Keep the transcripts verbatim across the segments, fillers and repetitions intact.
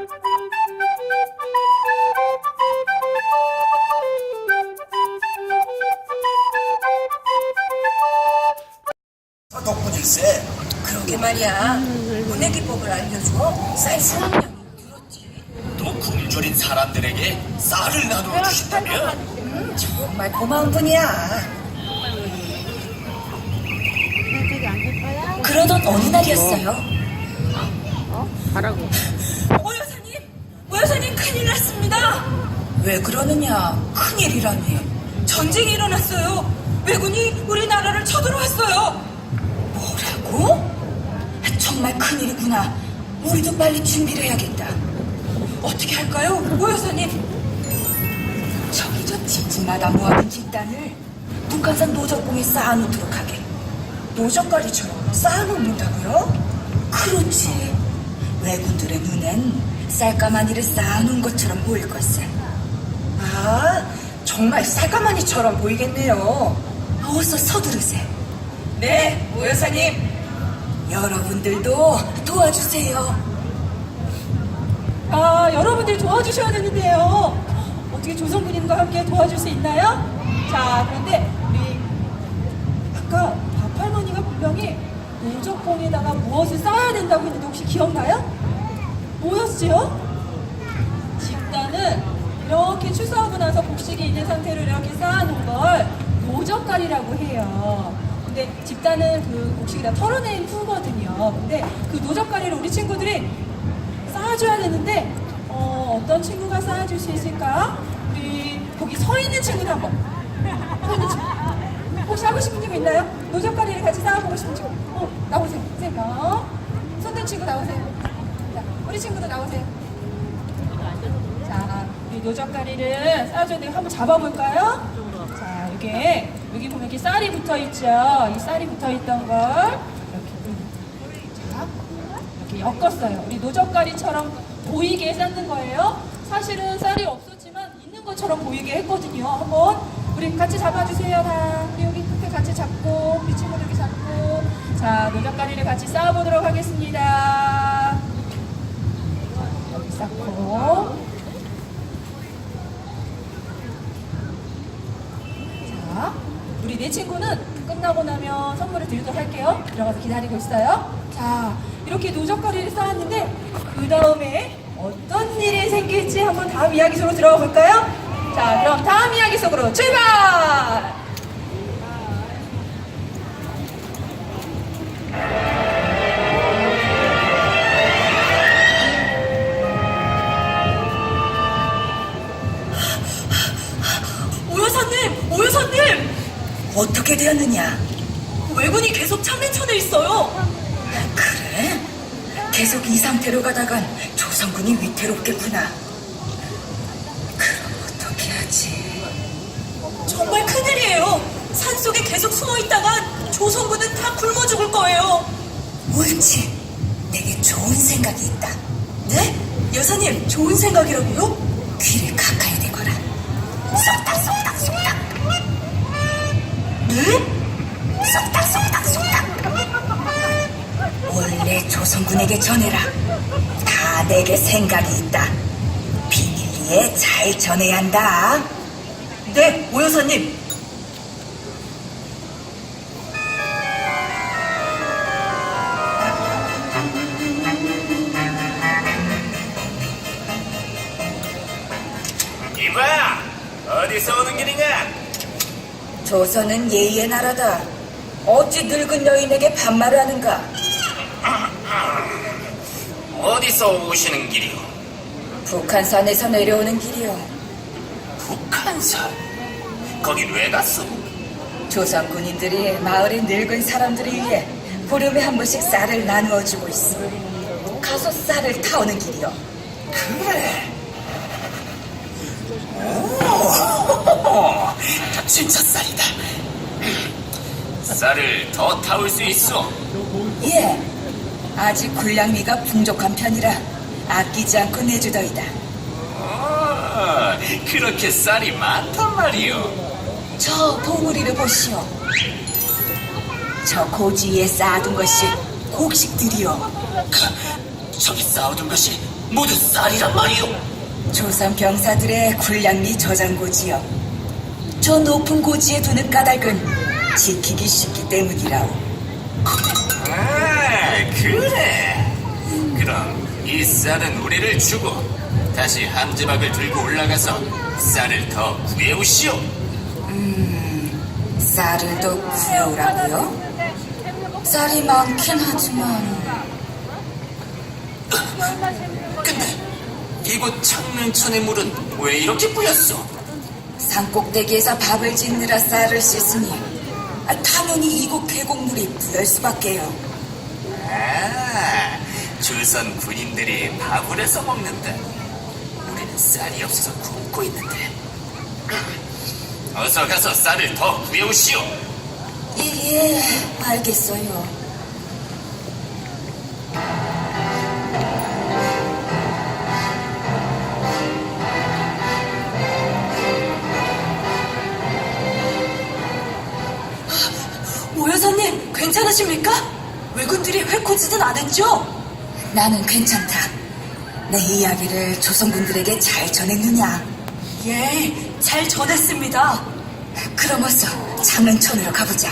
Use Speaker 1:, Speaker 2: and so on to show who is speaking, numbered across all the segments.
Speaker 1: 덕분일세.
Speaker 2: 그러게 말이야. 문의 기법을 알려줘. 쌀 수확량이 늘었지.
Speaker 1: 또 굶주린 사람들에게 쌀을 나누어 주신다며?
Speaker 2: 음, 정말 고마운 분이야. 그러던 어느 날이었어요.
Speaker 3: 가라고.
Speaker 2: 오 여사님, 오 여사님 큰일 났습니다. 왜 그러느냐? 큰일이라니. 전쟁이 일어났어요. 왜군이 우리나라를 쳐들어왔어요. 뭐라고? 정말 큰일이구나. 우리도 빨리 준비를 해야겠다. 어떻게 할까요, 오 여사님? 저기 저 집집마다 모아둔 집단을 북한산 노적봉에 쌓아놓도록 하게. 노적가리처럼 쌓아놓는다고요? 그렇지. 왜군들의 눈엔 쌀가마니를 쌓아놓은 것처럼 보일 것을. 아, 정말 쌀가마니처럼 보이겠네요. 어서 서두르세요. 네, 오 여사님. 여러분들도 도와주세요.
Speaker 4: 아, 여러분들 도와주셔야 되는데요. 어떻게 조선군인과 함께 도와줄 수 있나요? 자, 그런데 우리 아까 밥할머니가 분명히 노적봉에다가 무엇을 쌓아야 된다고 했는데 혹시 기억나요? 뭐였지요? 집단은 이렇게 추수하고 나서 곡식이 있는 상태로 이렇게 쌓아놓은 걸 노적갈이라고 해요. 근데 집단은 그 곡식이 다 털어낸 후거든요. 근데 그 노적가리를 우리 친구들이 쌓아줘야 되는데 어, 어떤 친구가 쌓아줄 수 있을까? 우리 거기 서 있는 친구들 한번. 서 있는 친구. 혹시 하고 싶은 친구 있나요? 노적가리를 같이 쌓아보고 싶은 친구. 어, 나오세요. 선생님. 어? 손든 친구 나오세요. 자, 우리 친구도 나오세요. 자, 우리 노적가리를 쌓아줘야 되니까 한번 잡아볼까요? 자, 이게 여기 보면 이렇게 쌀이 붙어 있죠. 이 쌀이 붙어 있던 걸 이렇게, 자, 이렇게 엮었어요. 우리 노적가리처럼 보이게 쌓는 거예요. 사실은 쌀이 없었지만 있는 것처럼 보이게 했거든요. 한번 우리 같이 잡아주세요. 다 우리 여기 끝에 같이 잡고 우리 친구들 이렇게 잡고 자, 노적가리를 같이 쌓아보도록 하겠습니다. 여기 쌓고 자, 우리 네 친구는 끝나고 나면 선물을 드리도록 할게요. 들어가서 기다리고 있어요. 자, 이렇게 노적거리를 쌓았는데 그 다음에 어떤 일이 생길지 한번 다음 이야기 속으로 들어가 볼까요? 자, 그럼 다음 이야기 속으로 출발!
Speaker 2: 오 여사님, 오 여사님! 어떻게 되었느냐? 왜군이 계속 창내천에 있어요. 그래? 계속 이 상태로 가다간 조선군이 위태롭겠구나. 그럼 어떻게 하지? 정말 큰일이에요. 산속에 계속 숨어있다간 조선군은 다 굶어 죽을 거예요. 옳지. 내게 좋은 생각이 있다. 네? 여사님, 좋은 생각이라고요? 귀를 가까이 대거라. 쏙닥 쏙닥 쏙닥. 네? 쏙닥 쏙닥 쏙닥. 원래 조선군에게 전해라. 다 내게 생각이 있다. 비밀리에 잘 전해야 한다. 네, 오 여사님.
Speaker 1: 이봐, 어디서 오는 길이냐?
Speaker 2: 조선은 예의의 나라다. 어찌 늙은 여인에게 반말을 하는가?
Speaker 1: 어디서 오시는 길이오?
Speaker 2: 북한산에서 내려오는 길이요.
Speaker 1: 북한산? 거긴 왜 갔어?
Speaker 2: 조선 군인들이 마을의 늙은 사람들을 위해 보름에 한 번씩 쌀을 나누어주고 있어. 가서 쌀을 타오는 길이요.
Speaker 1: 그래. 오, 진짜 쌀이다. 쌀을 더 타올 수 있어?
Speaker 2: 예, 아직 군량미가 풍족한 편이라 아끼지 않고 내주더이다.
Speaker 1: 아, 그렇게 쌀이 많단 말이오.
Speaker 2: 저 봉우리를 보시오. 저 고지 위에 쌓아둔 것이 곡식들이요.
Speaker 1: 저기 쌓아둔 것이 모두 쌀이란 말이오.
Speaker 2: 조선 병사들의 군량미 저장고지요. 저 높은 고지에 두는 까닭은 지키기 쉽기 때문이라오.
Speaker 1: 아, 그래. 그럼 이 쌀은 우리를 주고 다시 함지박을 들고 올라가서 쌀을 더 구해오시오.
Speaker 2: 쌀을 더 구해오라고요? 쌀이 많긴 하지만
Speaker 1: 근데 이곳 창릉천의 물은 왜 이렇게 뿌였어?
Speaker 2: 산꼭대기에서 밥을 짓느라 쌀을 씻으니 아, 당연히 이곳 계곡물이 부을 수밖에요.
Speaker 1: 아, 조선 군인들이 밥을 해서 먹는다. 우리는 쌀이 없어서 굶고 있는데. 어서 가서 쌀을 더 구해오시오.
Speaker 2: 예, 알겠어요. 오 여사님, 괜찮으십니까? 왜군들이 회코지는 않았죠? 나는 괜찮다. 내 이야기를 조선군들에게 잘 전했느냐? 예, 잘 전했습니다. 그럼 어서 장릉천으로 가보자.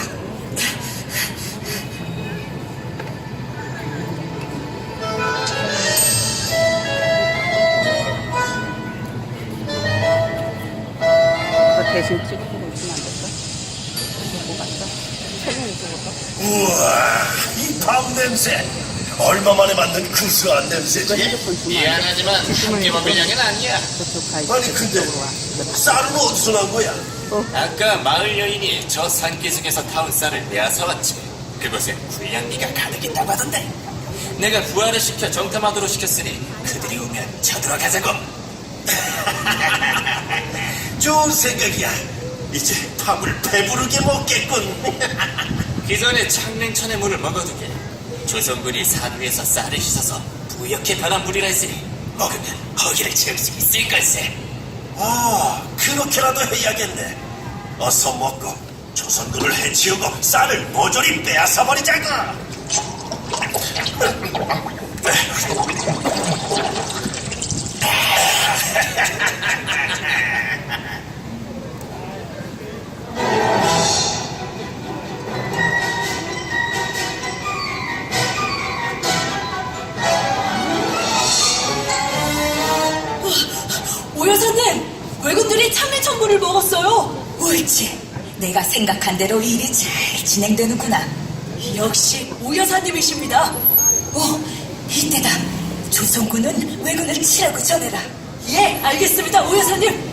Speaker 3: 그거 대신 찍고 오시면 안 될까? 보고 갔어? 사진 찍어서?
Speaker 5: 우와, 이 밥 냄새. 얼마 만에 맡는 구수한
Speaker 3: 이거
Speaker 5: 냄새지?
Speaker 3: 핸드폰 주면 안 돼?
Speaker 1: 미안하지만 함께 먹을 양은 아니야.
Speaker 3: 저쪽 가
Speaker 5: 아니, 근데
Speaker 3: 저쪽으로 와.
Speaker 5: 쌀은 어디서 난 거야?
Speaker 1: 아까 마을 여인이 저 산기슭에서 타온 쌀을 빼앗아왔지. 그곳에 군량미가 가득 있다고 하던데. 내가 부하를 시켜 정탐하도록 시켰으니 그들이 오면 쳐들어가자고.
Speaker 5: 좋은 생각이야. 이제 밥을 배부르게 먹겠군.
Speaker 1: 기존에 창릉천의 물을 먹어두게. 조선군이 산 위에서 쌀을 씻어서 부옇게 변한 물이라 했으니 먹으면 허기를 채울 수 있을 걸세.
Speaker 5: 아, 그렇게라도 해야겠네. 어서 먹고 조선군을 해치우고 쌀을 모조리 빼앗아 버리자고.
Speaker 2: 오 여사님, 왜군들이 참외천물을 먹었어요. 옳지. 내가 생각한 대로 일이 잘 진행되는구나. 역시 오 여사님이십니다. 오, 이때다. 조선군은 왜군을 치라고 전해라. 예, 알겠습니다, 오 여사님.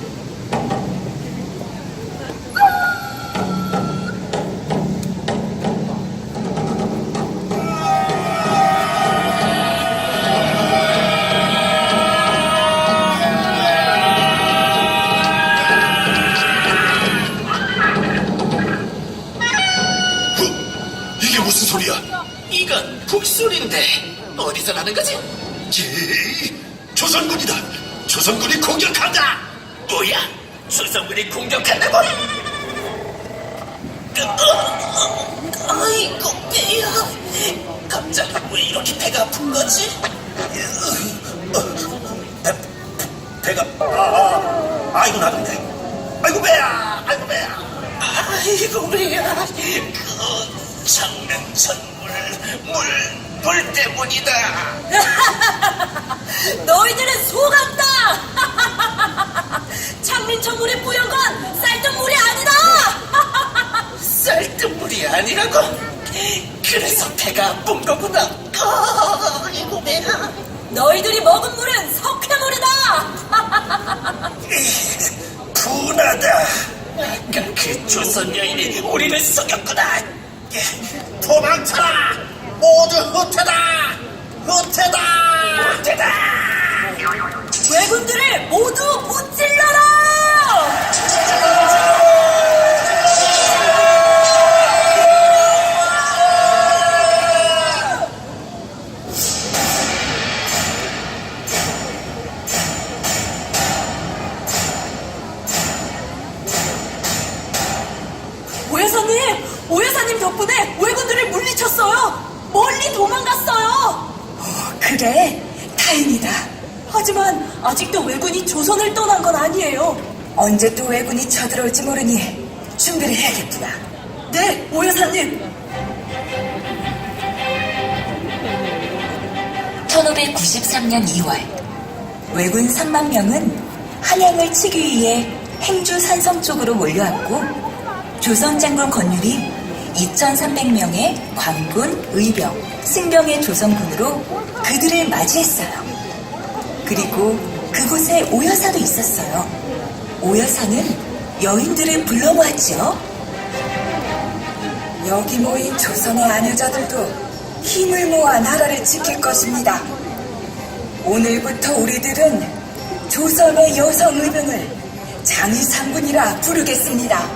Speaker 5: 이게 무슨 소리야?
Speaker 1: 이건 북소리인데 어디서 나는 거지?
Speaker 5: 지, 조선군이다. 조선군이 공격한다.
Speaker 1: 뭐야? 조선군이 공격한다고? 아이고 배야. 갑자기 왜 이렇게 배가 아픈 거지?
Speaker 5: 배, 배가 아, 아, 아이고 나던데. 아이고 배야. 아이고 배야.
Speaker 1: 아이고 배야. 그 장릉천 물, 물, 물 때문이다.
Speaker 2: 너희들은 속았다. 창민천물이 뿌연 건 쌀뜨물이 아니다.
Speaker 1: 쌀뜨물이 아니라고? 그래서 배가 아픈 거구나. 아이고 배야.
Speaker 2: 너희들이 먹은 물은 석회물이다.
Speaker 5: 분하다.
Speaker 1: 아까 그 조선 여인이 우리를 속였구나.
Speaker 5: 도망쳐라. 모두 후퇴다. 후퇴다.
Speaker 1: 후퇴다.
Speaker 2: 왜군들을 모두 무찔러라. 오여사님, 오여사님 덕분에 왜군들을 물리쳤어요. 멀리 도망갔어요. 어, 그래? 다행이다.
Speaker 6: 하지만 아직도 왜군이 조선을 떠난 건 아니에요.
Speaker 2: 언제 또 왜군이 쳐들어올지 모르니 준비를 해야겠구나.
Speaker 6: 네, 오 여사님.
Speaker 2: 천오백구십삼 년 이월 왜군 삼만 명은 한양을 치기 위해 행주 산성 쪽으로 몰려왔고 조선 장군 권율이 이천삼백 명의 관군, 의병, 승병의 조선군으로 그들을 맞이했어요. 그리고 그곳에 오여사도 있었어요. 오여사는 여인들을 불러모았지요. 여기 모인 조선의 아녀자들도 힘을 모아 나라를 지킬 것입니다. 오늘부터 우리들은 조선의 여성 의병을 장의상군이라 부르겠습니다.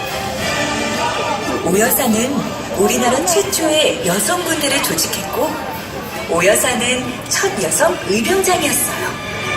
Speaker 2: 오여사는 우리나라 최초의 여성군대를 조직했고 오여사는 첫 여성 의병장이었어요.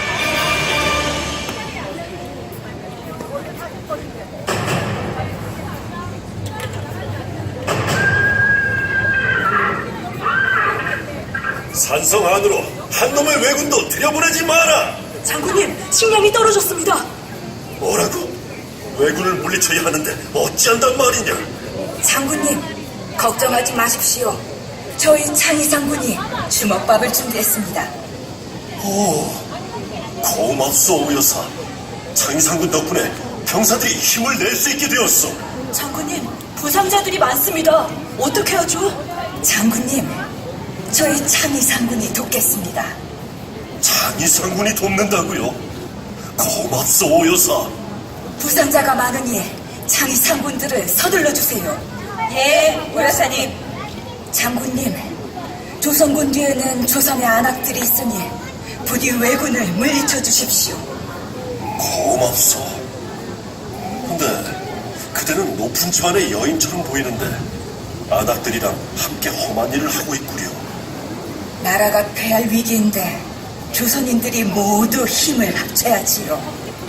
Speaker 5: 산성 안으로 한 놈의 왜군도 들여보내지 마라.
Speaker 6: 장군님, 식량이 떨어졌습니다.
Speaker 5: 뭐라고? 왜군을 물리쳐야 하는데 어찌한단 말이냐?
Speaker 2: 장군님, 걱정하지 마십시오. 저희 창의상군이 주먹밥을 준비했습니다.
Speaker 5: 오, 고맙소 오여사. 장의상군 덕분에 병사들이 힘을 낼 수 있게 되었어.
Speaker 6: 장군님, 부상자들이 많습니다. 어떻게 하죠?
Speaker 2: 장군님, 저희 창의상군이 돕겠습니다.
Speaker 5: 장의상군이 돕는다고요? 고맙소 오여사.
Speaker 2: 부상자가 많으니 창의상군들을 서둘러 주세요. 예, 오여사님. 장군님, 조선군 뒤에는 조선의 안악들이 있으니 부디 왜군을 물리쳐 주십시오.
Speaker 5: 고맙소. 근데 그대는 높은 집안의 여인처럼 보이는데 아낙들이랑 함께 험한 일을 하고 있구려.
Speaker 2: 나라가 패할 위기인데 조선인들이 모두 힘을 합쳐야지요.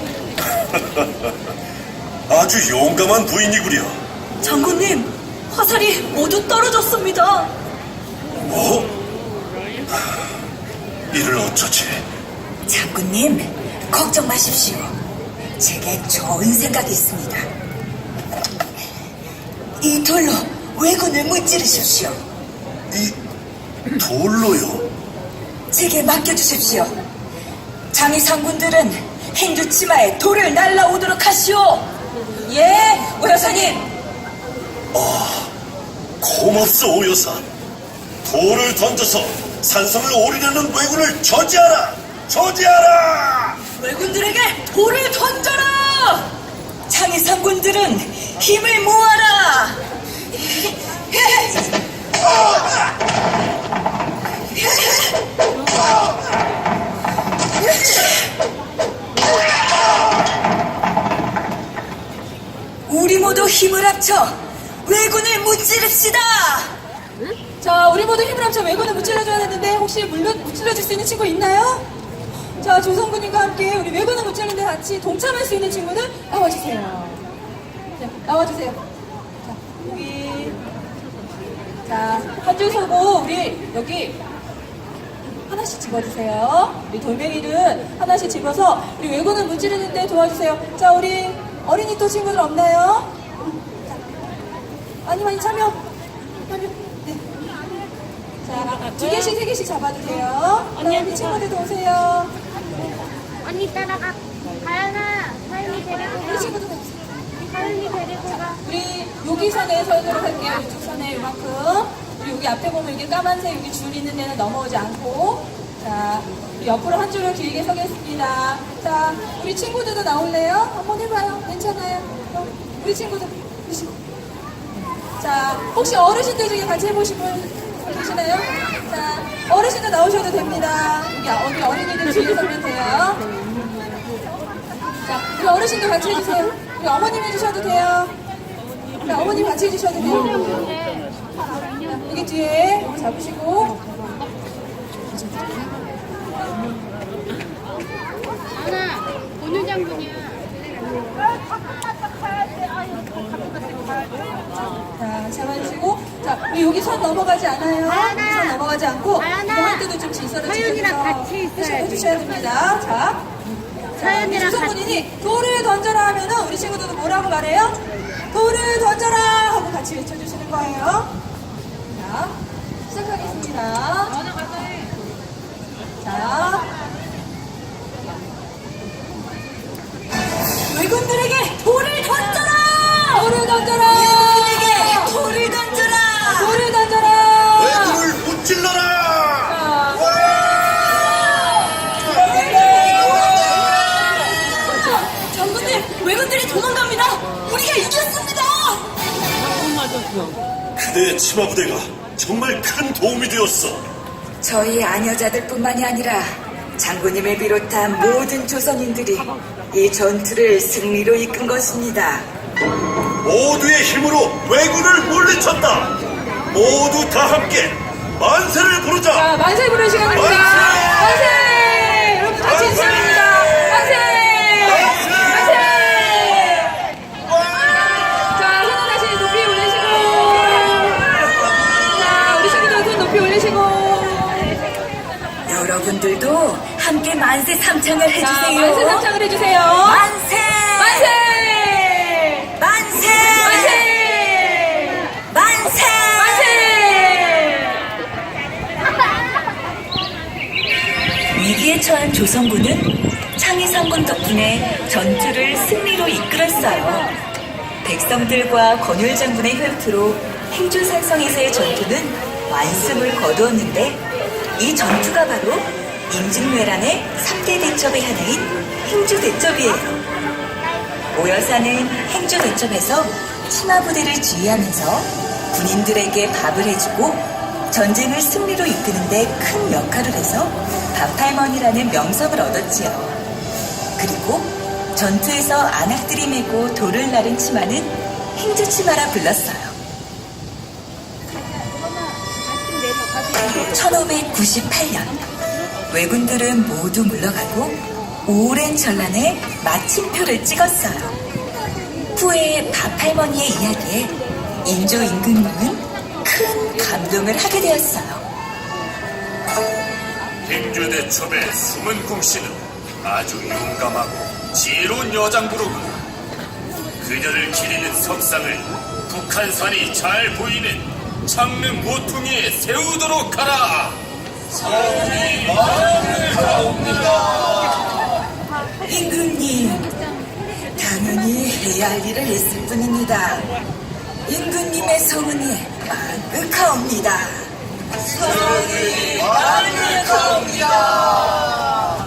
Speaker 5: 아주 용감한 부인이구려.
Speaker 6: 장군님, 화살이 모두 떨어졌습니다.
Speaker 5: 뭐? 이를 어쩌지?
Speaker 2: 장군님, 걱정 마십시오. 제게 좋은 생각이 있습니다. 이 돌로 왜군을 무찌르십시오.
Speaker 5: 이 돌로요?
Speaker 2: 제게 맡겨주십시오. 장의상군들은 행주 치마에 돌을 날라오도록 하시오. 예, 오여사님.
Speaker 5: 고맙소 오여사. 돌을 던져서 산성을 오르려는 왜군을 저지하라. 저지하라.
Speaker 6: 왜군들에게 돌을 던져라!
Speaker 2: 장의상군들은 힘을 모아라. 우리 모두 힘을 합쳐 왜군을 무찌릅시다.
Speaker 4: 자, 우리 모두 힘을 합쳐 왜군을 무찔러줘야 되는데 혹시 물론 무찔러줄 수 있는 친구 있나요? 자, 조선군님과 함께 우리 왜군을 무찌르는데 같이 동참할 수 있는 친구는 나와주세요. 자, 나와주세요. 자, 여기. 자, 한 줄 서고 우리 여기 하나씩 집어주세요. 우리 돌멩이를 하나씩 집어서 우리 왜군을 무찌르는데 도와주세요. 자, 우리 어린이 또 친구들 없나요? 자, 많이 많이 참여. 참여. 네. 자, 두 개씩, 세 개씩 잡아주세요. 언니, 우리 친구들도 오세요.
Speaker 7: 언니 따라가. 가연아, 가연이 데리고
Speaker 4: 우리
Speaker 7: 가.
Speaker 4: 친구들 도 오세요.
Speaker 7: 가연이 데리고 가.
Speaker 4: 우리 여기 선에 서도록 할게요. 이쪽 선에 이만큼. 우리 여기 앞에 보면 이게 까만색 여기 줄 있는 데는 넘어오지 않고. 자, 우리 옆으로 한 줄을 길게 서겠습니다. 자, 우리 친구들도 나올래요? 한번 해봐요. 괜찮아요. 어, 우리 친구들. 우리 친구. 자, 혹시 어르신들 중에 같이 해보신 분 계시나요? 자, 어르신들 나오셔도 됩니다. 여기, 어- 여기 어린이들 뒤에 서면 돼요. 자, 우리 어르신도 같이 해주세요. 우리 어머님 해주셔도 돼요. 우리 어머님 같이 해주셔도 돼요. 자, 여기 뒤에 여기 잡으시고.
Speaker 7: 하나, 본유 장군이야.
Speaker 4: 자, 잡아주시고. 자, 자, 우리 여기 선 넘어가지 않아요.
Speaker 7: 가연아.
Speaker 4: 선 넘어가지 않고
Speaker 7: 가연아.
Speaker 4: 이거 할 때도 좀 질서를
Speaker 7: 서윤이랑
Speaker 4: 지켜서
Speaker 7: 같이 있어야지.
Speaker 4: 해주셔야 됩니다. 자,
Speaker 7: 서윤이랑
Speaker 4: 조성군이 돌을 던져라 하면은 우리 친구들도 뭐라고 말해요? 돌을 던져라 하고 같이 외쳐주시는 거예요. 자, 시작하겠습니다. 자,
Speaker 2: 외군들에게 돌을 던져라!
Speaker 4: 돌을 던져라!
Speaker 2: 외군들에게 돌을 던져라!
Speaker 4: 돌을 던져라!
Speaker 5: 외군을 무찔러라!
Speaker 2: 장군님, 외군들이 도망갑니다! 우리가 이겼습니다!
Speaker 5: 그대의 치마 부대가 정말 큰 도움이 되었어.
Speaker 2: 저희 아녀자들뿐만이 아니라 장군님을 비롯한 모든 조선인들이 이 전투를 승리로 이끈 것입니다.
Speaker 5: 모두의 힘으로 왜군을 물리쳤다. 모두 다 함께 만세를 부르자.
Speaker 4: 자, 만세 부를 시간입니다.
Speaker 5: 만세!
Speaker 4: 만세! 여러분 같이
Speaker 5: 만세!
Speaker 4: 인사합니다. 만세! 만세! 자, 손을 다시 높이 올리시고. 자, 우리 친구들 손 높이 올리시고.
Speaker 2: 여러분들도 함께 만세 삼창을
Speaker 4: 자,
Speaker 2: 해주세요.
Speaker 4: 만세 삼창을 해주세요.
Speaker 2: 만세!
Speaker 4: 만세!
Speaker 2: 만세!
Speaker 4: 만세!
Speaker 2: 만세!
Speaker 4: 만세!
Speaker 2: 위기에 처한 조선군은 창의성군 덕분에 전투를 승리로 이끌었어요. 백성들과 권율 장군의 혈투로 행주산성에서의 전투는 완승을 거두었는데 이 전투가 바로 임진왜란의 삼 대 대첩의 하나인 행주대첩이에요. 오여사는 행주대첩에서 치마부대를 지휘하면서 군인들에게 밥을 해주고 전쟁을 승리로 이끄는데 큰 역할을 해서 밥할머니라는 명성을 얻었지요. 그리고 전투에서 안악들이 메고 돌을 나른 치마는 행주치마라 불렀어요. 천오백구십팔 년 왜군들은 모두 물러가고 오랜 전란에 마침표를 찍었어요. 후에 밥할머니의 이야기에 인조 임금님은 큰 감동을 하게 되었어요.
Speaker 1: 행주대첩의 숨은 궁씨는 아주 용감하고 지혜로운 여장부로구나. 그녀를 기리는 석상을 북한산이 잘 보이는 창릉 모퉁이에 세우도록 하라.
Speaker 2: 임금님, 당연히 해야 할 일을 했을 뿐입니다. 임금님의 성은이 만극하옵니다. 성은이 만극하옵니다.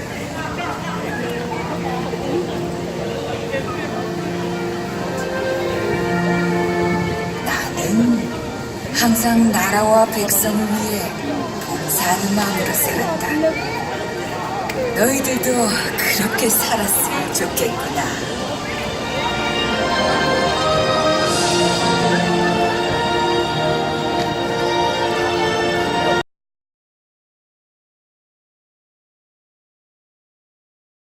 Speaker 2: 나는 항상 나라와 백성을 위해 봉사하는 마음으로 살았다. 너희들도 그렇게 살았으면 좋겠구나.